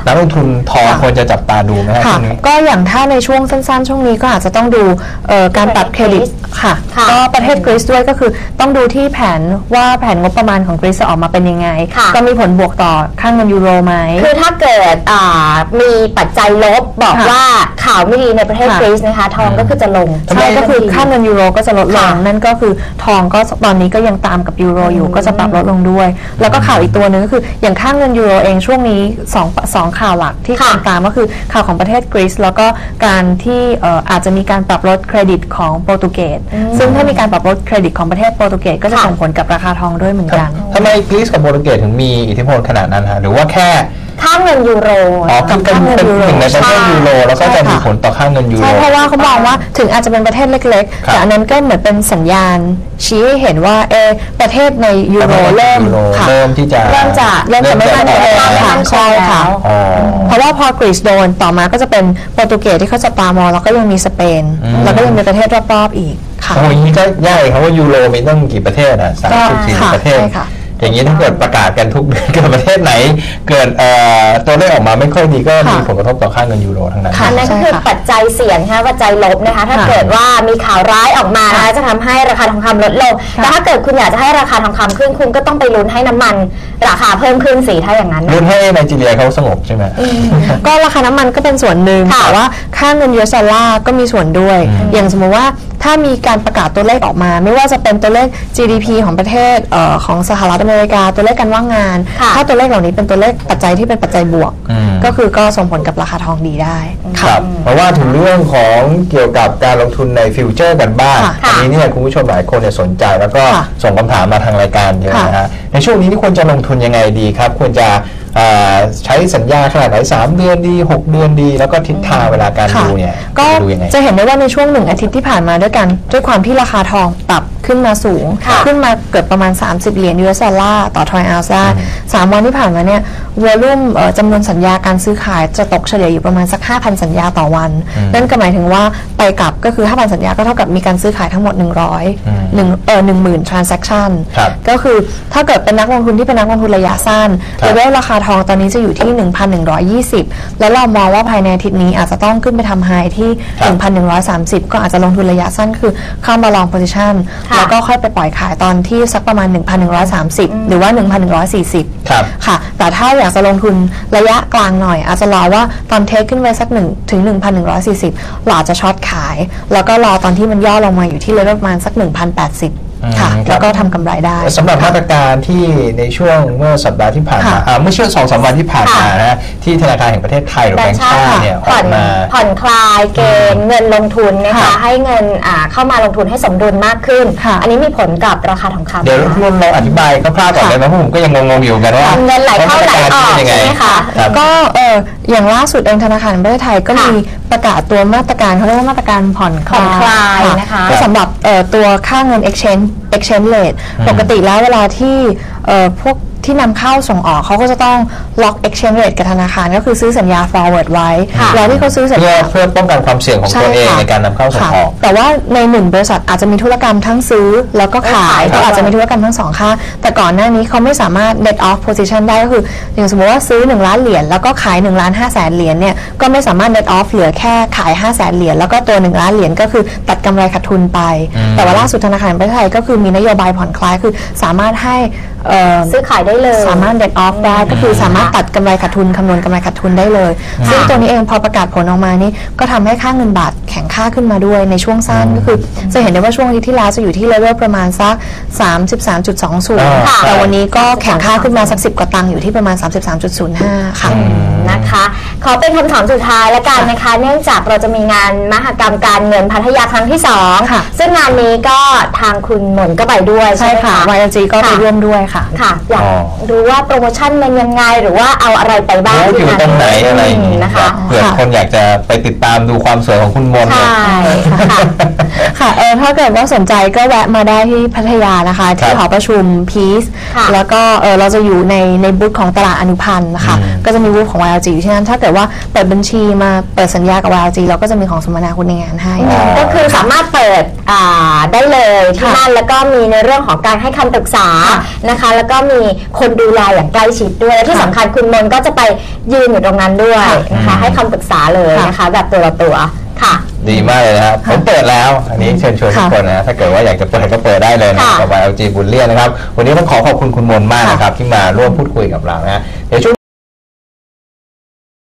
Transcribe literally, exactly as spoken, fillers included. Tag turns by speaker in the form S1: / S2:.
S1: นักลงทุนทองควรจะจับตาดูไหมครับช่วงนี้
S2: ก็อย่างถ้าในช่วงสั้นๆช่วงนี้ก็อาจจะต้องดูการปรับเครดิตค่ะก็ประเทศกรีซด้วยก็คือต้องดูที่แผนว่าแผนงบประมาณของกรีซจะออกมาเป็นยังไงก็มีผลบวกต่อค่าเงินยูโรไหม
S3: คือถ้าเกิดมีปัจจัยลบบอกว่าข่าวไม่ดีในประเทศกรีซนะคะทองก็คือจะลง
S2: ใช่ก็คือค่าเงินยูโรก็จะลดลงนั่นก็คือทองก็ตอนนี้ก็ยังตามกับยูโรอยู่ก็จะปรับลดลงด้วยแล้วก็ข่าวอีกตัวหนึ่งก็คืออย่างค่าเงินยูโรเองช่วงนี้สองสองข่าวหลักที่คนตามก็คือข่าวของประเทศกรีซแล้วก็การที่อาจจะมีการปรับลดเครดิตของโปรตุเกสซึ่งถ้ามีการปรับลดเครดิตของประเทศโปรตุเกสก็จะส่งผลกับราคาทองด้วยเหมือนกัน
S1: ทำไมกรีซกับโปรตุเกสถึงมีอิทธิพลขนาดนั้นฮะหรือว่าแค่
S3: ค่าเงินยูโร
S1: อ๋อเป็นเป็นหนึ่งในประเทศยูโรแล้วก็จะมีผลต่อค่าเงินยูโร
S2: ใช่เพราะว่าเขามองว่าถึงอาจจะเป็นประเทศเล็กๆแต่อันนั้นก็เหมือนเป็นสัญญาณชี้ให้เห็นว่าเอประเทศในยูโรเริ่ม
S1: เริ่มที่จะ
S2: เริ่มจะเริ่มจะไม่มั่นคงค่ะใช่ค่ะเพราะว่าพอกรีซโดนต่อมาก็จะเป็นโปรตุเกสที่เขาจะตามองแล้วก็ยังมีสเปนแล้วก็ยังมีประเทศรอบๆอีกค่ะ
S1: โอ้ยนี่ก็ยากครับว่ายูโรมีตั้งกี่ประเทศอ่ะสามสิบสี่ประเทศอย่างนี้ถ้าเกิดประกาศกันทุกเดือนเกิดประเทศไหนเกิดตัวเลขออกมาไม่ค่อยดีก็มีผลกระทบต่อค่าเงินยูโรทั้งนั้น
S3: นั่นก็คือปัจจัยเสี่ยงค่ะปัจจัยลบนะคะถ้าเกิดว่ามีข่าวร้ายออกมานะคะจะทำให้ราคาทองคำลดลงแต่ถ้าเกิดคุณอยากจะให้ราคาทองคำขึ้นคุณก็ต้องไปลุ้นให้น้ำมันราคาเพิ่มขึ้นสิถ้าอย่างนั้น
S1: ลุ้นให้ไนจีเรียเขาสงบใช่ไหม
S2: ก็ราคาน้ำมันก็เป็นส่วนหนึ่งแต่ว่าค่าเงินยูเอสดอลลาร์ก็มีส่วนด้วยอย่างสมมติว่าถ้ามีการประกาศตัวเลขออกมาไม่ว่าจะเป็นตัวเลข จี ดี พี ของประเทศของสหรัฐอเมริกาตัวเลขการว่างงานถ้าตัวเลขเหล่านี้เป็นตัวเลขปัจจัยที่เป็นปัจจัยบวกก็คือก็ส่งผลกับราคาทองดีได้
S1: ครับเพราะว่าถึงเรื่องของเกี่ยวกับการลงทุนในฟิวเจอร์กันบ้างอันนี้เนี่ยคุณผู้ชมหลายคนเนี่ยสนใจแล้วก็ส่งคำถามมาทางรายการเยอะนะฮะในช่วงนี้นี่ควรจะลงทุนยังไงดีครับควรจะใช้สัญญาขนาดไหนสามเดือนดีหกเดือนดีแล้วก็ทิศทางเวลาการดูเนี่ย
S2: ก็จะเห็นได้ว่าในช่วงหนึ่งอาทิตย์ที่ผ่านมาด้วยกันด้วยความที่ราคาทองปรับขึ้นมาสูงขึ้นมาเกือบประมาณสามสิบเหรียญยูเอสดอลลาร์ต่อทรอยออนซ์ได้สามวันที่ผ่านมาเนี่ยวอลุ่มจำนวนสัญญาการซื้อขายจะตกเฉลี่ยอยู่ประมาณสัก ห้าพัน สัญญาต่อวันนั่นก็หมายถึงว่าไปกลับก็คือ ห้าพัน สัญญาก็เท่ากับมีการซื้อขายทั้งหมดหนึ่งร้อย หนึ่งเอ่อ หนึ่งหมื่น transaction ก็คือถ้าเกิดเป็นนักลงทุนที่เป็นนักลงทุนระยะสั้นเลเวลราคาทองตอนนี้จะอยู่ที่ หนึ่งพันหนึ่งร้อยยี่สิบ แล้วเรามองว่าภายในอาทิตย์นี้อาจจะต้องขึ้นไปทำไฮที่ หนึ่งพันหนึ่งร้อยสามสิบ ก็อาจจะลงทุนระยะสั้นคือเข้ามาลอง position แล้วก็ค่อยไปปล่อยขายตอนที่สักประมาณ หนึ่งพันหนึ่งร้อยสามสิบ หรือว่า หนึ่งพันหนึ่งร้อยสี่สิบ ค่ะแต่ถ้าอยากจะลงทุนระยะกลางหน่อยอาจจะรอว่าตอนเทคขึ้นไปสักหนึ่งถึง หนึ่งพันหนึ่งร้อยสี่สิบ เราอาจจะช็อตขายแล้วก็รอตอนที่มันย่อลงมาอยู่ที่เลเวลประมาณสัก หนึ่งพันแปดสิบ ค่ะแล้วก็ทำกำไรได้
S1: สำหรับมาตรการที่ในช่วงเมื่อสัปดาห์ที่ผ่านมาเมื่อช่วงสองสามวันที่ผ่านมานะที่ธนาคารแห่งประเทศไทยหรือแบงก์ชาติเนี่ยออกมา
S3: ผ่อนคลายเกณฑ์เงินลงทุนนะคะให้เงินเข้ามาลงทุนให้สมดุลมากขึ้นอันนี้มีผลกับราคาทองคำ
S1: เดี๋ยวรุ่นเราอธิบายคร่าวๆก่อนเลยนะเพราะผมก็ยังงงๆอยู่กันว่า
S3: เงินไหลเข้าไหลออกใช่ไหมคะ
S2: ก็เอออย่างล่าสุดเองธนาคารแห่งประเทศไทยก็มีประกาศตัวมาตรการเขาเรียกว่ามาตรการผ่อนคล
S3: ายนะคะ
S2: ก็สำหรับตัวค่าเงิน exchange exchange rate ปกติแล้วเวลาที่พวกที่นำเข้าส่งออกเขาก็จะต้องล็อก exchange rate กับธนาคารก็คือซื้อสัญญา forward ไว้แล้วที่เขาซื้อสัญญา
S1: เพื่อป้องกันความเสี่ยงของตัวเองในการนำเข้าส่งออก
S2: แต่ว่าในหนึ่งบริษัทอาจจะมีธุรกรรมทั้งซื้อแล้วก็ขายก็อาจจะมีธุรกรรมทั้งสองค่าแต่ก่อนหน้านี้เขาไม่สามารถ net off position ได้ก็คืออย่างสมมติว่าซื้อหนึ่งล้านเหรียญแล้วก็ขายหนึ่งล้านห้าแสนเหรียญเนี่ยก็ไม่สามารถ net off เหลือแค่ขายห้าแสนเหรียญแล้วก็ตัวหนึ่งล้านเหรียญก็คือตัดกำไรขาดทุนไปแต่ว่าล่าสุดธนาคารแห่งประเทศไทยก็คือมีนโยบายผ่อนคลายคือสามารถให้
S3: ซื้อขายได้เลย
S2: สามารถ net off ได้ก็คือสามารถตัดกำไรขาดทุนคำนวณกำไรขาดทุนได้เลยซึ่งตัวนี้เองพอประกาศผลออกมานี่ก็ทำให้ค่าเงินบาทแข็งค่าขึ้นมาด้วยในช่วงสั้นก็คือจะเห็นได้ว่าช่วงอาทิตย์ที่แล้วจะอยู่ที่เลเวลประมาณสัก สามสิบสามจุดสองศูนย์ แต่วันนี้ก็แข็งค่าขึ้นมาสักสิบกว่าตังค์อยู่ที่ประมาณ สามสิบสามจุดศูนย์ห้า ค่ะ
S3: นะคะขอเป็นคำถามสุดท้ายละกันนะคะเนื่องจากเราจะมีงานมหกรรมการเงินพัทยาครั้งที่สองซึ่งงานนี้ก็ทางคุณหมนก็ไปด้วยใช่
S2: ค่ะ วาย แอล จี ก็ไปร่วมด้วยค่ะ
S3: ค่ะอยากรู้ว่าโปรโมชั่นเป็นยังไงหรือว่าเอาอะไรไปบ้าง
S1: อยู่ตรงไหนอะไรอย่างนี้นะคะเผื่อคนอยากจะไปติดตามดูความสวยของคุณมน
S3: ใช่ค่ะ
S2: ค่ะเออถ้าเกิดว่าสนใจก็แวะมาได้ที่พัทยานะคะที่หอประชุมพีซแล้วก็เออเราจะอยู่ในในบูธของตลาดอนุพันธ์นะคะก็จะมีบูธของ วาย แอล จี อยู่ที่นั่นถ้าเกิดว่าเปิดบัญชีมาเปิดสัญญากับ วาย แอล จี เราก็จะมีของสมนาคุณในงานให้
S3: ก็คือสามารถเปิดอ่าได้เลยที่นั่นแล้วก็มีในเรื่องของการให้คำปรึกษานะคะแล้วก็มีคนดูแลอย่างใกล้ชิดด้วยที่สำคัญคุณมนก็จะไปยืนอยู่ตรงนั้นด้วยนะคะให้คำปรึกษาเลยนะคะแบบตัวต่อตัวค่ะ
S1: ดีมากเลยนะครับผมเปิดแล้วอันนี้เชิญชวนทุกคนนะถ้าเกิดว่าอยากจะเปิดก็เปิดได้เลยนะกับ วาย แอล จี Bullion นะครับวันนี้ต้องขอขอบคุณคุณมนมากนะครับที่มาร่วมพูดคุยกับเรานะเดี๋ยวช่วง